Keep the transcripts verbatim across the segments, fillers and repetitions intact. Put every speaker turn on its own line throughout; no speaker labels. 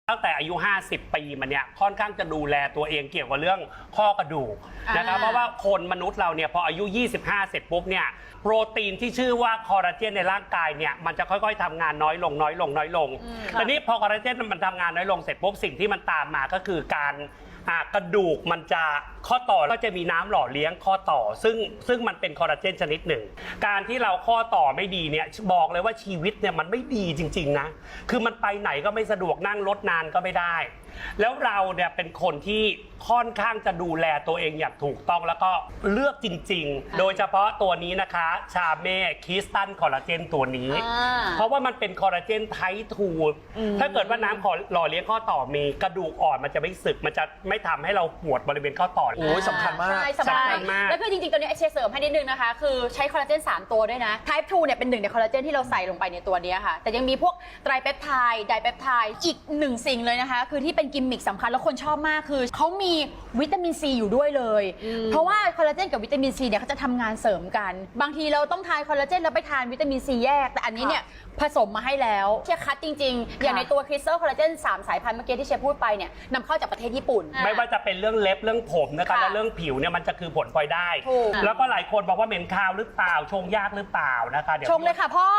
ตั้งแต่อายุห้าสิบปีมันเนี่ยค่อนข้างจะดูแลตัวเองเกี่ยวกับเรื่องข้อกระดูกนะครับเพราะว่าคนมนุษย์เราเนี่ยพออายุยี่สิบห้าเสร็จปุ๊บเนี่ยโปรตีนที่ชื่อว่าคอลลาเจนในร่างกายเนี่ยมันจะค่อยๆทำงานน้อยลงน้อยลงน้อยลงทีนี้พอคอลลาเจนมันทำงานน้อยลงเสร็จปุ๊บสิ่งที่มันตามมาก็คือการกระดูกมันจะข้อต่อก็จะมีน้ำหล่อเลี้ยงข้อต่อซึ่งซึ่งมันเป็นคอลลาเจนชนิดหนึ่งการที่เราข้อต่อไม่ดีเนี่ยบอกเลยว่าชีวิตเนี่ยมันไม่ดีจริงๆนะคือมันไปไหนก็ไม่สะดวกนั่งรถนานก็ไม่ได้แล้วเราเนี่ยเป็นคนที่ค่อนข้างจะดูแลตัวเองอย่างถูกต้องแล้วก็เลือกจริงๆโดยเฉพาะตัวนี้นะคะชาเม่คิสตันคอลลาเจนตัวนี้เพราะว่ามันเป็นคอลลาเจนไททูถ้าเกิดว่าน้ำหล่อเลี้ยงข้อต่อมีกระดูกอ่อนมันจะไม่สึกมันจะไม่ทำให้เราปวดบริเวณข้อต่อ
โอ้ยสำคัญมาก
ใช่สำคัญมากแล้วคือจริงๆตัวนี้เชเสริมให้นิดนึงนะคะคือใช้คอลลาเจนสามตัวด้วยนะ Type ทูเนี่ยเป็นหนึ่งในคอลลาเจนที่เราใส่ลงไปในตัวนี้ค่ะแต่ยังมีพวกไตรเปปไทด์ไดเปปไทด์อีกหนึ่งสิ่งเลยนะคะคือที่เป็นกิมมิคสำคัญแล้วคนชอบมากคือเขามีวิตามินซีอยู่ด้วยเลยเพราะว่าคอลลาเจนกับวิตามินซีเนี่ยเขาจะทำงานเสริมกันบางทีเราต้องทานคอลลาเจนแล้วไปทานวิตามินซีแยกแต่อันนี้เนี่ยผสมมาให้แล้วเชฟคัดจริงๆอย่างในตัวคริสตัลคอลลาเจนสามสายพันธุ์เมื่อกี้ที่เชฟพูดไปเนี่ยนำเข้าจากประเทศญี่ปุ่น
ไม่ว่าจะเป็นเรื่องเล็บเรื่องผมนะคะและเรื่องผิวเนี่ยมันจะคือผลพลอยได้แล้วก็หลายคนบอกว่าเหม็นคาวหรือเปล่าชงยากหรือเปล่านะคะเดี๋ยว
ชงเลยค่ะพ่อ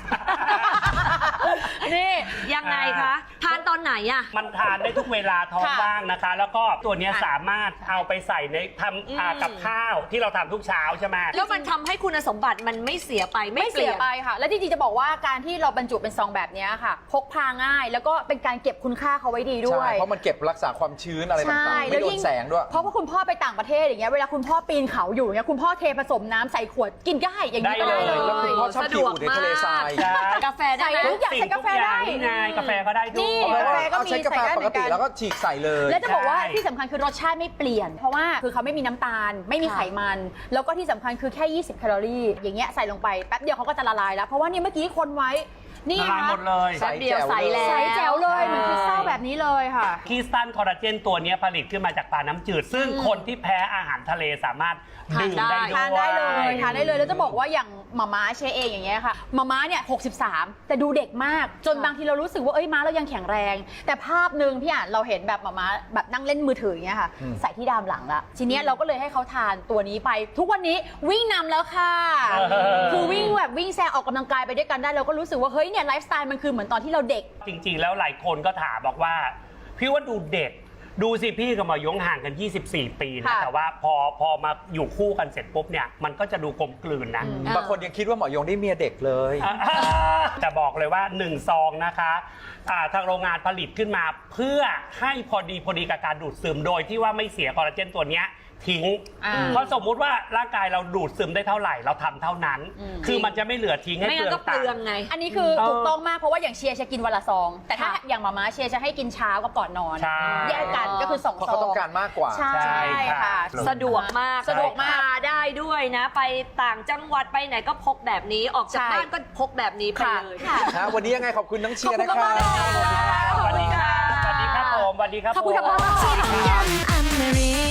นี่ยังไงคะทานตอนไหนอะ
มันทานได้ทุกเวลาท้องว่างนะคะแล้วก็ตัวนี้สามารถเอาไปใส่ในทำกับข้าวที่เราทำทุกเช้าใช่ไหม
แล้วมันทำให้คุณสมบัติมันไม่เสียไป
ไม่เสียไปค่ะและจริงๆจะบอกว่าการที่เราบรรจุเป็นซองแบบนี้ค่ะพกพาง่ายแล้วก็เป็นการเก็บคุณค่าเขาไว้ดีด้วย
เพราะมันเก็บรักษาความชื้นอะไรต่างๆไม่โดนแสงด้วย
เพราะว่าคุณพ่อไปต่างประเทศอย่างเงี้ยเวลาคุณพ่อปีนเขาอยู่เนี่ยคุณพ่อเทผสมน้ำใส่ขวดกินได้อย่างนี้ได้เลย
แล้วคุณพ่อชอบกินอยู่ในทะเลทราย
กาแฟได้
ทุกอย่างใส่กาแฟได้
ไงกาแฟก็ได้ด้วย
กาแฟก็มี
ใช้กาแฟปกติแล้วก็ฉีกใส่เลย
แล้วจะบอกว่าที่สำคัญคือรสชาติไม่เปลี่ยนเพราะว่าคือเขาไม่มีน้ำตาลไม่มีไขมันแล้วก็ที่สำคัญคือแค่ยี่สิบแคลอรี่อย่างเงี้ยใส่ลงไปแป๊บเดียวเขาก็จะละลายแล้วเพราะว่านี่เมื่อกี้คนไว้นี่
ค่ะหมดเลย
ใส่เดียวใส่แล้ว
ใส่แจ๋วเลยเหมือนคริสตัลแบบนี้เลยค่ะ
คริสตัลคอลลาเจนตัวนี้ผลิตขึ้นมาจากปลาน้ำจืดซึ่งคนที่แพ้อาหารทะเลสามารถดื่มได้ด้วย
ทานได้เลยทานได้เลยแล้วจะบอกว่าอย่างมาม่าเชเองอย่างเงี้ยค่ะมาม่าเนี่ยหกสิบสามแต่ดูเด็กมากจนบางทีเรารู้สึกว่าเอ้ยม้าเรายังแข็งแรงแต่ภาพหนึ่งพี่อ่านเราเห็นแบบมาม่าแบบนั่งเล่นมือถืออย่างเงี้ยค่ะใส่ที่ดามหลังละทีเนี้ยเราก็เลยให้เขาทานตัวนี้ไปทุกวันนี้วิ่งนำแล้วค่ะคือวิ่งแบบวิ่งแซงออกกำลังกายไปด้วยกันได้เราก็รู้สึกว่าเฮ้ยเนี่ยไลฟ์สไตล์มันคือเหมือนตอนที่เราเด็ก
จริงๆแล้วหลายคนก็ถามบอกว่าพี่ว่าดูเด็กดูสิพี่กับหมอยงห่างกันยี่สิบสี่ปีนะแต่ว่าพอพอมาอยู่คู่กันเสร็จปุ๊บเนี่ยมันก็จะดูกลมกลืนนะ
บางคนยังคิดว่าหมอยงได้เมียเด็กเลย
จะบอกเลยว่าหนึ่งซองนะคะทางโรงงานผลิตขึ้นมาเพื่อให้พอดีพอดีกับการดูดซึมโดยที่ว่าไม่เสียคอลลาเจนตัวนี้ทิ้งเพราะสมมุติว่าร่างกายเราดูดซึมได้เท่าไหร่เราทำเท่านั้นคือมันจะไม่เหลือทิ้งให้เปลืองตังค์
ไง
อันนี้คือถูกต้องมากเพราะว่าอย่างเชียร์จะกินวันละซองแต่ถ้าอย่างมาม่าเชียร์จะให้กินเช้ากับก่อนนอนแยกกันก็คือสองซอง
เพราะเขาต้องการมากกว่า
ใช่ค่ะ
สะดวกมาก
สะดวกมาก
ได้ด้วยนะไปต่างจังหวัดไปไหนก็พกแบบนี้ออกจากบ้านก็พกแบบนี้ไปเลย
วันนี้ยังไงขอบคุณน้องเชียร์นะคะ
สวัสดีค่ะสวัสดีครับผมสวัสดีครับ
ขอบคุณครับ